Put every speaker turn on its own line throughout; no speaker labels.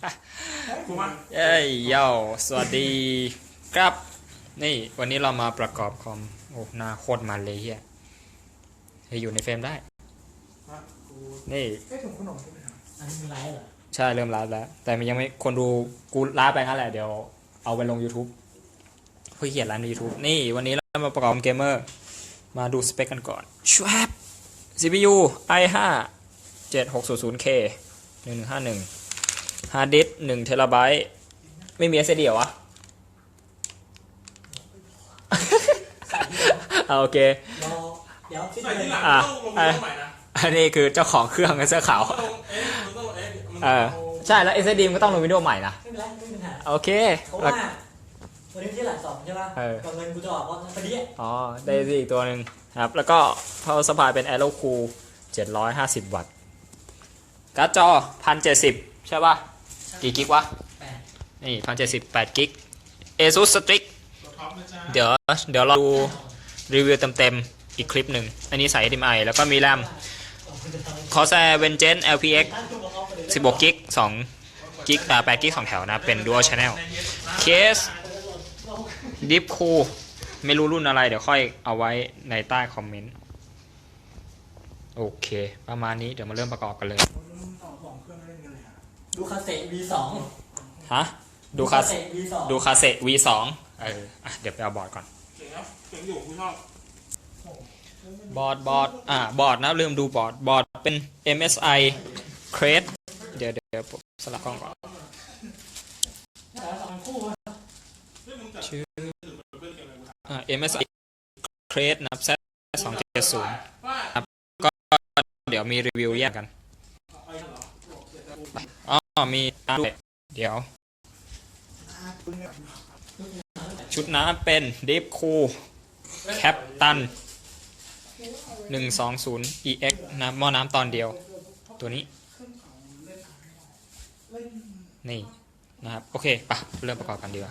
เอ้ยเย้าสวัสดีครับนี่วันนี้เรามาประกอบคอมโอ้หน้าโคตรมันเลยเฮียให้อยู่ในเฟรมได้นี่
ถุงขนมใช่ไหมครับอันนี้มีไลฟ์เหรอ
ใช่เริ่มไลฟ์แล้วแต่มันยังไม่คนดูกูไลฟ์ไปงั้นแหละเดี๋ยวเอาไปลง YouTube เพื่อเขียนไลฟ์ใน YouTube นี่วันนี้เรามาประกอบเกมเมอร์มาดูสเปคกันก่อนชวบ CPU i5 7600K 1151ฮาร์ดดิสก์1 TB ไม่มี SSD เหรอวะ โอเค
เดี๋ยว
ใส่ที่หลังต้องลงใหม่นะ
อันนี้คือเจ้าของเครื่องเสื้อขาวใช่แล้ว SSD มันก็ต้องลง Windows ใหม่นะ
ไม่เป็นไรไม่เป็นไร
โอเค
เพราะว่าวันนี้ที่หลังสองใช่ป่ะกับเงินกูจะออกเพราะพอดี
อ๋อได้อีกตัวหนึ่งครับแล้วก็ Power Supply เป็น Aero Cool 750 วัตต์การ์ดจอ 1070 ใช่ป่ะกี่กิกวะนี่ 1070 8 กิก ASUS Strix เดี๋ยวเราดูรีวิวเต็มๆอีกคลิปหนึ่งอันนี้ใส่ HDMI แล้วก็มีแรม Corsair Vengeance LPX 16 กิก2 กิก8 กิก2 แถวนะเป็น Dual Channel Case Deep Cool ไม่รู้รุ่นอะไรเดี๋ยวค่อยเอาไว้ในใต้คอมเมนต์โอเคประมาณนี้เดี๋ยวมาเริ่มประกอบกันเลย
ดูคาเซ่ V2
ฮะดูคาเซ่ V2 เดี๋ยวไปเอาบอร์ดก่อน
เจ๋งครับเจ๋งอยู่คุณชอบบ
อร์ดนะลืมดูบอร์ดเป็น MSI Crest เดี๋ยวสลับกล้องก่อนชื่อMSI Crest นะ Z270 ครับก็เดี๋ยวมีรีวิวแยกกันมีด้วยเดี๋ยวชุดน้ำเป็น Deep Cool Captain 120 EX นะหม้อน้ำตอนเดียวตัวนี้นี่นะครับโอเคปะเริ่มประกอบกันดีกว่า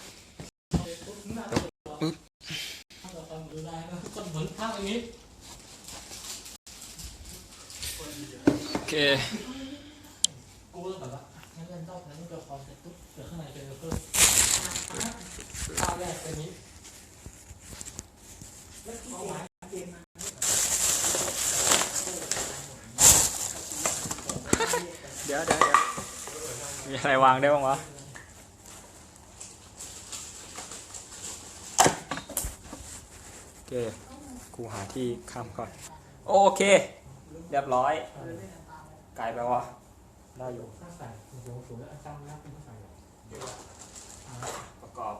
โอเค
กูแบบว่างั้นเล่นต้องนั้นก็พอเสร็จปุ๊บเดี๋ยวข้างในเป็นเพิ่มข้าวแรกตัวนี้แล้วเอาไว้เกม
เดี๋ยวมีอะไรวางได้บ้างวะโอเคกูหาที่ค้ำก่อนโอเคเรียบร้อยไกลไปวะได้อยู่ประกอบ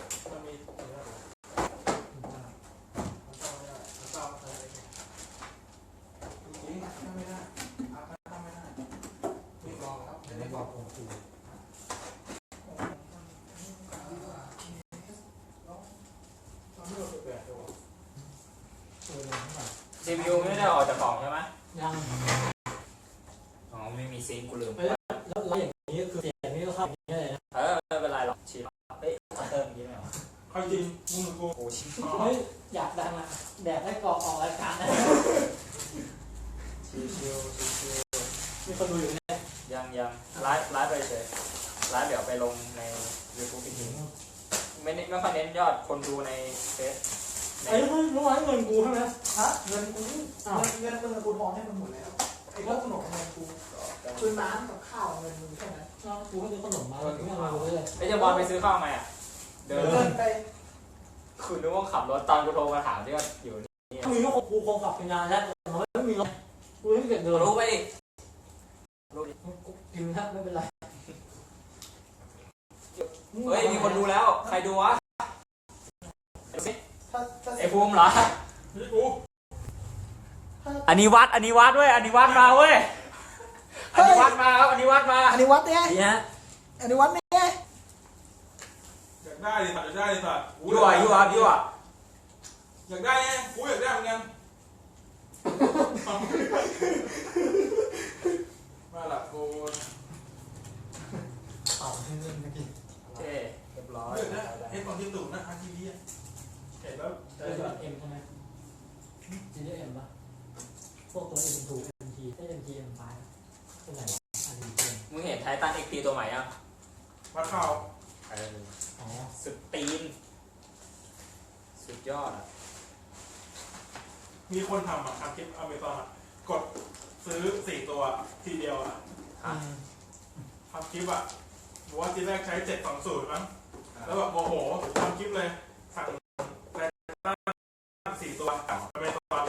CPU ไม่ได้ออกจากกล่องใช่ไหม
ยัง
ไม่มีซิงค์กูลืม
แล้วอย่างนี้คือเสียงนี้ก็เข้าอย่างนี้เลยนะ
ไม่เป็นไรหรอกชิปเฮ้ยเติมอย่างนี้ไหมวะ
เขาจริงมึงกู
โอ้ชิป
เฮ้ยอยากดังอ่ะแดดได้กรอกออกรายการนะ
ชิว
มีคนดูอยู่เนี่ย
ยังไลฟ์ไปเฉยไลฟ์เดี๋ยวไปลงใน YouTube อีกทีไม่ค่อยเน้นยอดคนดูในเฟซ
ไอ้เมื่อวานเงินกูใช่ไหม
ฮะเงินกูเงินกูทอนให้มันหมดแล้วไอ้พวกขนมเงินกูคือน้ำกับข้าวเงินมึงแค่นั้น
กูก็ซื้อขนมมาแล้วกูเอาไปเลย
ไอ้เจ้าบอลไปซื้อข้าวไหมอ่ะ
เดินไป
คุณนึกว่าขับรถตอนกูโทรมาถามที่ว่าอยู่นี่
มีลูกกูคงขับเป็นงานแล้วแต่มันไม่มีรถกูไม่เก็บเงิน
รู้ไปดิ
กินครับไม่เป็นไร
เฮ้ยมีคนดูแล้วใครดูวะไอ้ภูมิเหรออันนี้วัดเว้ยอันนี้วัดมาเว้ยอันนี้วัดมาครับอันนี้วัดเนี่ย
อันนี้วัดเนี่ย
อยากได้เลยสัตว์อยากได้เลยสัตว์
ยั่วอย
ากได้ไงกูอยากได้เหมือนกันมาละโกน
เอาให้เงินเมื่อกี้
เรียบร้อย
เห็นตอนที่ตู่นะทีวีเห็นแล้ว
เอ็มใช่ไหมจีเอ็มปะพวกตัวเอ็มถูกเอ็มทีได้เอ็มทีเอ็มไฟเป็นไรอันนี้
มึงเห็นไททันตันเอ็กตีตัวใหม่อ่ะ
วัดข่าว
อ๋อสุดตีนสุดยอดอ่ะ
มีคนทำอ่ะทำคลิปอเมซอนอ่ะกดซื้อ4 ตัวทีเดียวอ่ะทำคลิปอ่ะบอกว่าทีแรกใช้720มั้งแล้วแบบโมโหทำคลิปเลยสั่งแรงต้าน4 ตัวอเมซอน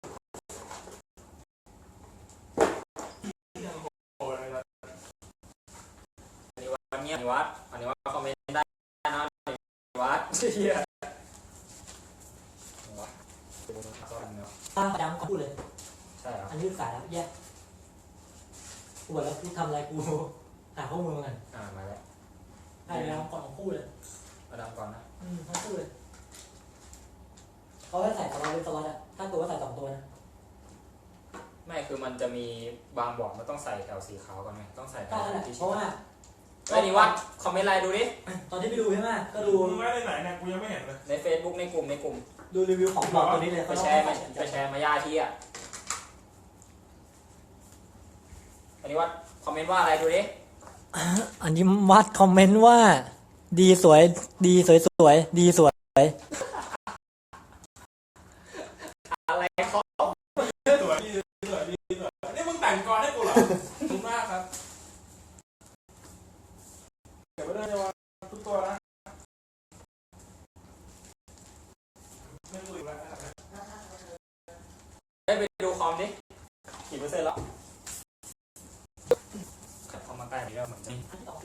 โอ้ย
อันนี้วัดเงียบอันนี้วัดคอมเมนต์ได้นะอันนี้วัดเฮียวัด
ดำก็พูดเลย
ใช่เหรอ
อันนี้สายแล้วแยกกูบอกแล้วกูทำอะไรกูหาข้อมูลกัน
มาแล้ว
ให้ดำก่อนของคู่เลย
มาดามก่อนนะ
ทั้งคู่เลยเขาให้ใส่สล็อตเป็นสล็อตอะถ้าตัวก็ใส่2 ตัวนะ
ไม่คือมันจะมีบางบอร์ดมันต้องใส่แถวสีขาวก่อนไหมต้องใส่แถ
ก็
ว
นั่นแหละ
ที่
เพราะว่า
ไอ้นี่วัดคอมเมนต์ไลน์ดูดิ
ตอนที่ไปดูใช่ไหมก็ดู
มึงไม่ได้ไหนเนี่ยกูยังไม่เห็นเลย
ใน Facebook ในกลุ่ม
ดูรีวิวของบอร์ดตัวนี้เลย
ไปแชร์มาย่าที่อ่ะอันนี้วัดคอมเมนต์ว่าอะไรดูดิ
อันนี้วัดคอมเมนต์ว่าดีสวยดีสวยสวยดีสวย
อะไรเขา
สวยดีสวยนี่มึงแต่งกรให้กูเหรอขอบคุณมากครับเก็บไว้ด้วยนะว่าทุกตัวนะไม่รู้อีกแล้ว
ได้ไปดูคอมดิกี่เปอร์เซ็นต์แล้วขัดเข้ามาใกล้นี่ก็เหมือนกัน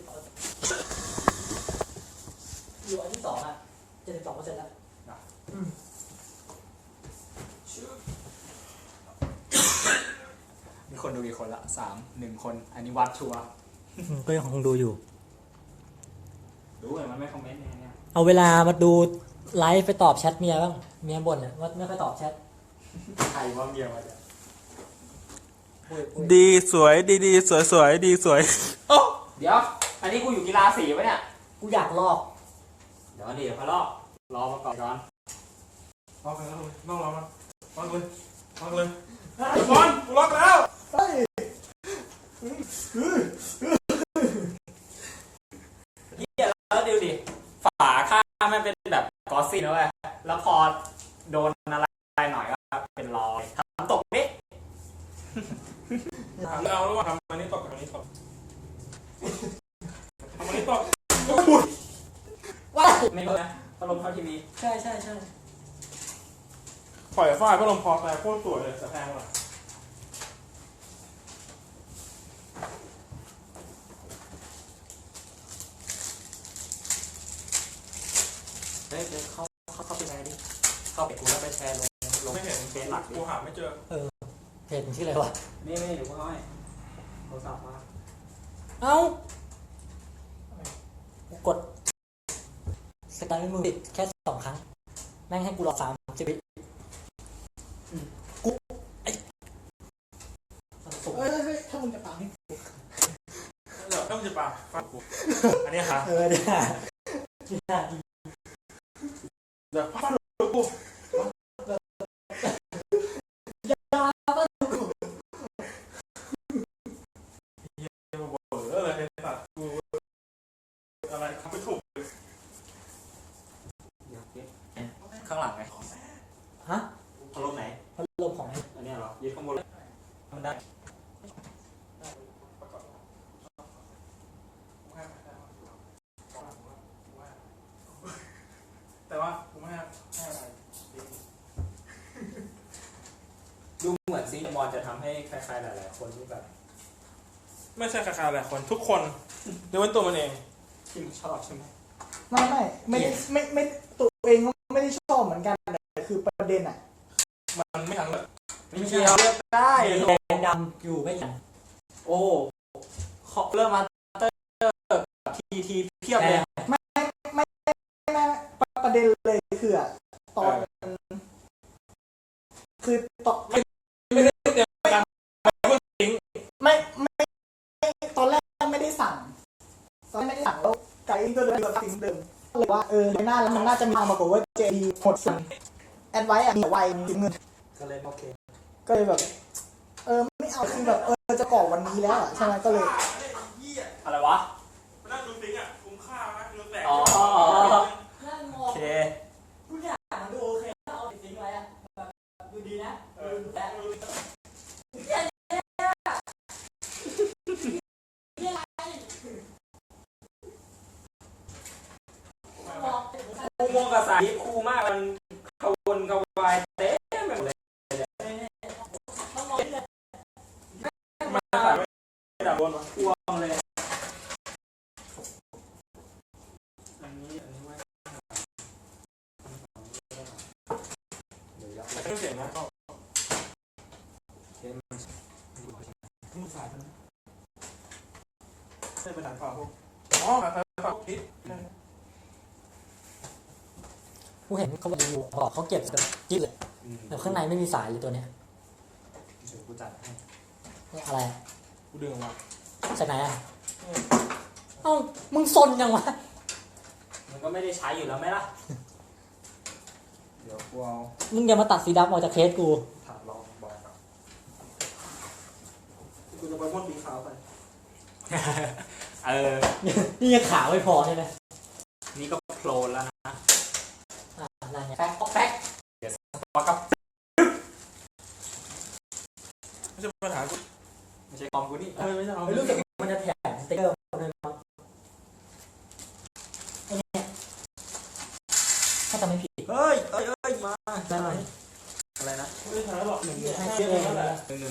อยู่อันที่2อ่ะ72%แล้ว
มีคนดูกี่คนละ1 คน อันนี้วัดชัวร์
ก็ยังคงดูอยู่
ดูเลยมันไม่คอมเมนต์เนี่ย
เอาเวลามาดูไลฟ์ไปตอบแชทเมียบ้างเมียบ่นว่าไม่ค่อยตอบแชท
ใครว่าเดียวมาจ้ะ
ดีสวยดีสวยสวยดีสวย
โอ้เดี๋ยว อันนี้กูอยู่กีฬาสีปะเนี่ย
กูอยากลอก
เดี๋ยวพะลอกรอมาก่อน
ล็อกเลยล็อกเรามันล็อกเลยล็อกเลยบอลกูล็อกแล้ว
เฮียแล้วดูดิฝาข้างมันเป็นแบบกอสซี่นะเว้ยแล้วพอโดนอะไรหน่อยก็เป็นรอยทำตกนี่
ถามเราแล้วว่าทำอันนี้ตกกับอันนี้ตกทำอันนี้ตก
ว้า
ไม่รู้นะพัดลมเข้าทีวี
ใช่
ปล่อยฝ้ายพัดลมพอแต่โคตรสวยเลยแต่แพงว่ะ
เฮ้ยเข้าไปแชร์ดิเข้าไปกูแล้วไปแชร์ลง
ไม่เห็น
เฟซหลักดิ
กูหาไม่เจอ
เพจมันชื่ออะไรวะ
นี่เดี๋ยวกูให้โทรศัพท์มา
เอ้า กดสตาร์ทมือปิดแค่2 ครั้ง แม่งให้กูรอ30 วิกูไอ้สุก
เฮ้ยถ้ามึงจะปังให้
เดี๋ยวต้องจะปาฟังกูอันนี้ค่ะ
เนี่ย
เดี๋ยวฟังกูอะไรสัตว์กูอะไรทำไม่ถูก
ข้างหลังไง
ฮะ
พัดลมไหน
พัดลมของไอ้
อันนี้เหรอยึดข้างบนมันได้
แต่ว่ากูไม่ให้อะไร
ดูเหมือนซีมอนจะทำให้ใครๆหลายๆคนที่แบบ
ไม่ใช่ใครๆหลายคนทุกคนยกเว้นตัวมันเอง
ที่มึงชอบใช่ไหม
ไม่ได้ไม่ตัวเองก็ไม่ได้ชอบเหมือนกันแต่คือประเด็นอ่ะ
มันไม่ทันเลย
ไม่เกี่ยวเลือกได้
แดงดำอยู่ไม่ยัน
โอ้เริ่มมาเตอร์ทีเพียบเลย
ประเด็นเลยคืออะตอนคือตอน
ไม่ได้เตรียมการ
ไม่ตอนแรกไม่ได้สั่งแล้วไกด์ก็เลยแบบสิ่งเดิมเลยว่าในหน้าแล้วมันน่าจะมีทางมากกว่าว่าเจดีหมดสั่งแอดไว้อะมีไวมีเงิน
ก็เลยโอเค
ก็เลยแบบไม่เอาคือแบบจะกรอกวันนี้แล้วอะใช่ไหมก็เลย
ออะไรวะ
มานั่งดูซิงอ่ะคุ้มค่าไหมดูแสง
อ๋อ
นั่งม
โอ
อง
เค
ทุกอย่างมันดูโอเคถ้าเอาจริงไว้อะแบบดูดีนะดูแต่มอง
คู่ม่วงกับสายคู่มากมันกระวนกระวายเต็มไปหมดเลย
ต้องมองเลย
มาใส่ไว้ดับบนวะ
พวงเลยอันนี้ไว้
เครื่องเสียงนะก็
มือสายมัน
ใช่เป็นหนังฝาพวกอ๋อสายฝาคิด
กูเห็นเขาบอกเขาเก็บแบบจิ๊บเลยแต่ข้างในไม่มีสายเลยตัวเนี้ย
เดี๋ยวกูจัดให้
อะไร
กูดึงออกมา
จากไหนอ่ะเอ้ามึงซนยังวะ
มันก็ไม่ได้ใช้อยู่แล้วไหมล่ะ เดี๋ยวกูเอา
มึงอย่ามาตัดสีดำออกจากเคสกู
ถามลองบอกก่อน
กูจะไปพ่นสีขาวไป
นี่ยังขาวไม่พอใช่ไหม
นี่ก็โผล่แล้วนะ
อะไรเนี่ยแป๊กแป๊ก
พอกับ
ไม่ใช่ปัญหากู
ไม่ใช่คอมกูนี่
ไม่ใช่เอา
รู้สึกมันจะแถมสติ๊กเกอร์มาด้วยมั้งไอ้เนี่ยถ้าจำไม่ผิด
เฮ้ยมา
ได้ไหม
อะไรนะ
ไม่ได้ใช้หรอกหนึ่ง
ให้
ห้า
เชื่อ
เอ
เอง
นั่นแหละ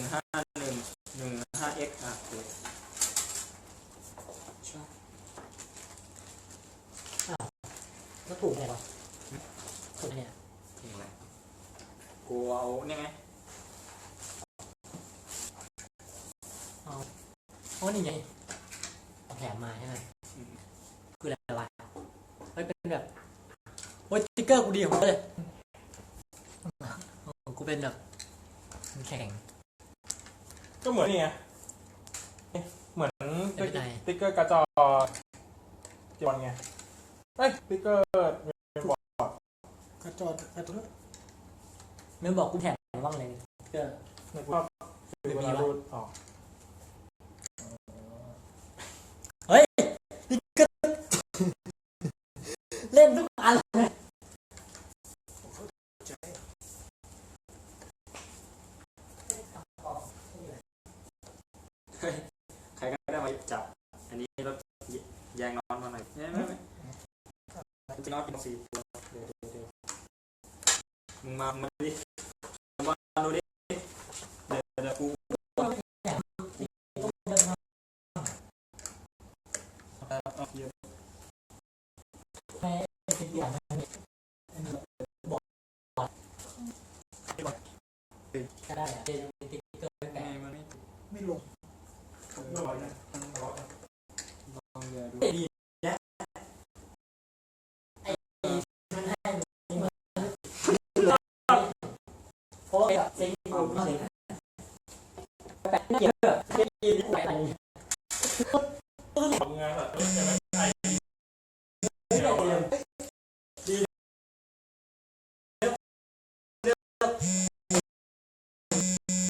115 อ่ะโอเค
แล้วถูกไงวะถูกเนี่ย
นี่แหละกูเอาเนี่ยไง
อ๋อนี่ไงเอาแถมมาใช่ไหมคืออะไรวะเฮ้ยเป็นแบบโอ้ยสติ๊กเกอร์กูดีของกูเลยกูเป็นแบบแข็ง
ก็เหมือนนี่ไงเหมือน
เป็นไง
สติ๊กเกอร์กระจอจอนไงเฮ้ยสติ๊กเกอร์บอก
กระจอกกระจก
ไม่บอกกูแถมบ้างเลยสติ๊กเกอร์
ในกูชอบดูเวลาดูออก
เฮ้ยสติ๊กเกอร์เล่นทุกอันเลย
ใครก็ได้มาจับ อันนี้รถแยงน้อนมาหน่อยไม่จริงๆน้อนเป็น4 ตัวเดี๋ยวมึงมาดิมาดูดิเดี๋ยวกูเอาเยอะ
ไม่เป็นอย่างนั้นบอกก็ได้อะเป็นสติ๊กเกอร์แปะ
มันไม่
ไม่ลง
ไม่ไหวนะมันร้อน
ลองเดี๋ยวดู
ดีนะไอ้มันให้เพราะแบบซิงกูไม่เลยแปะเยอะแค่ดีแปะ
ทำงานแบบใช่ไหม